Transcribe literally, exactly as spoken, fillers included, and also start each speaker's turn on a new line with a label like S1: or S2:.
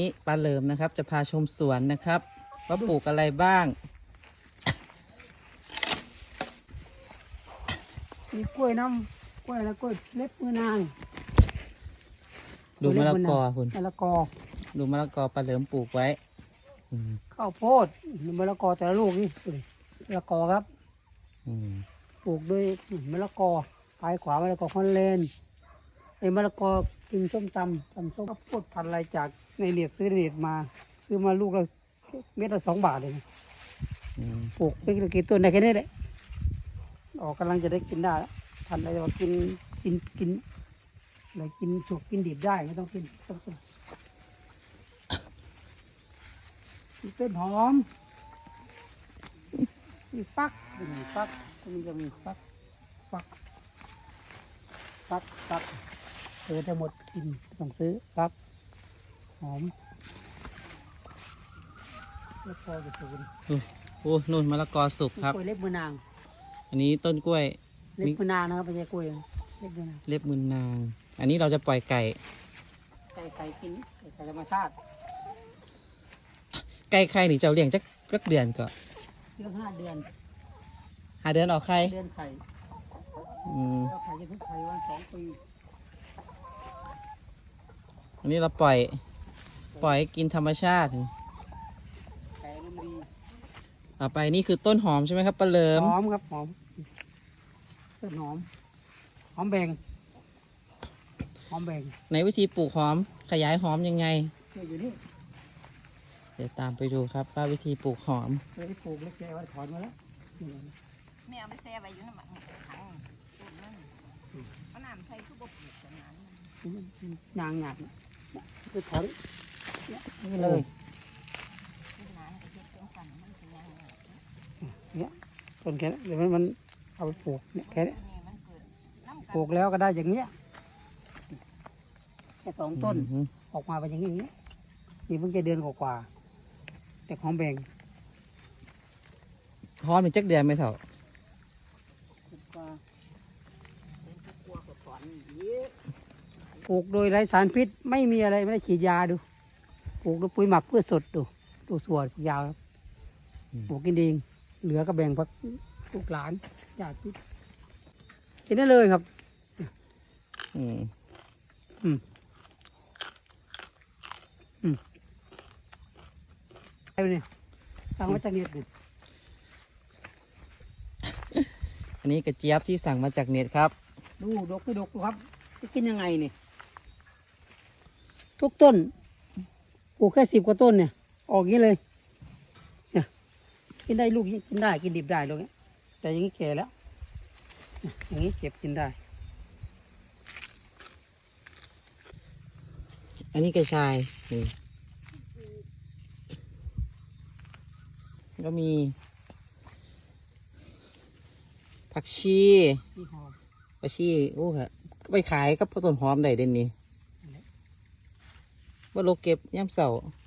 S1: นี่ปลาเหลิมนะครับจะพาชมสวนนะครับว่าปลูกอะไรบ้าง
S2: มีกล้วยน้ำกล้วยแล้วกล้วยเล็บมือนาง
S1: ดูมะละกอคุณ
S2: มะละกอ
S1: ดูมะละกอปลาเหลิมปลูกไว้อืม
S2: ข้าวโพดมะละกอแต่ละลูกนี่มะละกอครับ
S1: อืม
S2: ปลูกด้วยมะละกอปลายขวามะละกอคอนเลนไอ้มะละกอกินส้มตำตำส้มข้าวโพดพันธุ์อะไรจากในเน็ตซื้อในเน็ตมาซื้อมาลูกละเม็ดละสองบาทเลยนะ
S1: อืม
S2: ปลูกไปกี่ต้นได้แค่นี้แหละออกกำลังจะได้กินได้แล้วพันธุ์อะไรว่ากินกินกินอะไรกินสุกกินดิบได้ไม่ต้องกินต้นมีต้นหอมมีฟักมีฟักมันจะมีฟักฟักฟักฟักเออทั้งหมดกินต้องซื้อฟักหอมแล้วพอจะถูก
S1: โอ้นู่นมะละกอสุกครับ
S2: กล้วยเล็บมือนาง
S1: อันนี้ต้นกล้วย
S2: เล็บมือนางนะครับไม่ใช่กล้วยเล็บมือนาง
S1: เล็บมือนาง อันนี้เราจะปล่อยไก่
S2: ไก่ไก่กินไก่ไก่ธรรมชาติ
S1: ไก่ไข่นี่เจ้าเลี้ยงจักจักเดือนก็
S2: เลี้ยงห้าเดือน
S1: หาเดือนออกไข่
S2: เดือนไข่
S1: อืม
S2: แล้วไข่จะเพิ่งไข่วันสองปี
S1: อันนี้เราปล่อย ปล่อยให้กินธรรมชาติ
S2: ไก่มันดี
S1: ต่อไปนี่คือต้นหอมใช่ไหมครับปลาเหลิม
S2: หอมครับหอมต้นหอมหอมแบ่งหอมแบ่ง
S1: ในวิธีปลูกหอมขยายหอมยังไง
S2: เนี่ยอยู่นี่
S1: เดี๋ยวตามไปดูครับว่าวิธีปลูกหอม
S2: เคยได้ปลูกเล็กแกว่าถอนมาแล้วนี่
S3: แม่เอาไปแช่ไว้อยู่น้ำมันถังต้นนั่นเอาน้ำใส่คือบ่ปลูกกันนั้น
S2: นางหยาดเนี่ยไปถอนเนี่ยนี่เลย
S3: คือน้ำก็เฮ็ดจังสั่นมันสิยังไง
S2: เนี่ยต้นแค่นี้เดี๋ยวมันมันเอาไปปลูกเนี่ยแค่นี้
S3: นี่มันเกิดน้ำ
S2: ปลูกแล้วก็ได้อย่างเนี้ยแค่สองต้น
S1: อืม
S2: ออกมาเป็นอย่างนี้นี่เพิ่งจะเดือนกว่าๆแต่หอมแบ่ง
S1: หอมเป็นจักเดือนไหมเถ่า
S2: กว่า
S3: เป็นตะกัวก็ถอนเยอะ
S2: ปลูกโดยไร้สารพิษไม่มีอะไรไม่ได้ฉีดยาดูปลูกด้วยปุ๋ยหมักพืชสดดูดูสวนยาวครับปลูกกินเองเหลือก็แบ่งพักลูกหลานญาติพี่กินได้เลยครับ
S1: อืม
S2: ไอ้เนี่ยสั่งมาจากเน็ตเนี่ย
S1: อันนี้กระเจี๊ยบที่สั่งมาจากเน็ตครับ
S2: ดูดกไปดกดูครับจะกินยังไงเนี่ยทุกต้นปลูกแค่สิบกว่าต้นเนี่ย ออกอย่างนี้เลย เนี่ยกินได้ลูกกินได้กินดิบได้ลูกเนี้ยแต่อย่างนี้แก่แล้วเนี่ยอย่างนี้เก็บกินได้
S1: อันนี้กระชายนี่ก็มี ผักชี
S2: ที่หอม
S1: ผักชีโอ้ค่ะก็ไปขายกับต้นหอมได้เด่นนี่ว่าโลเก็บย่ำเสาร์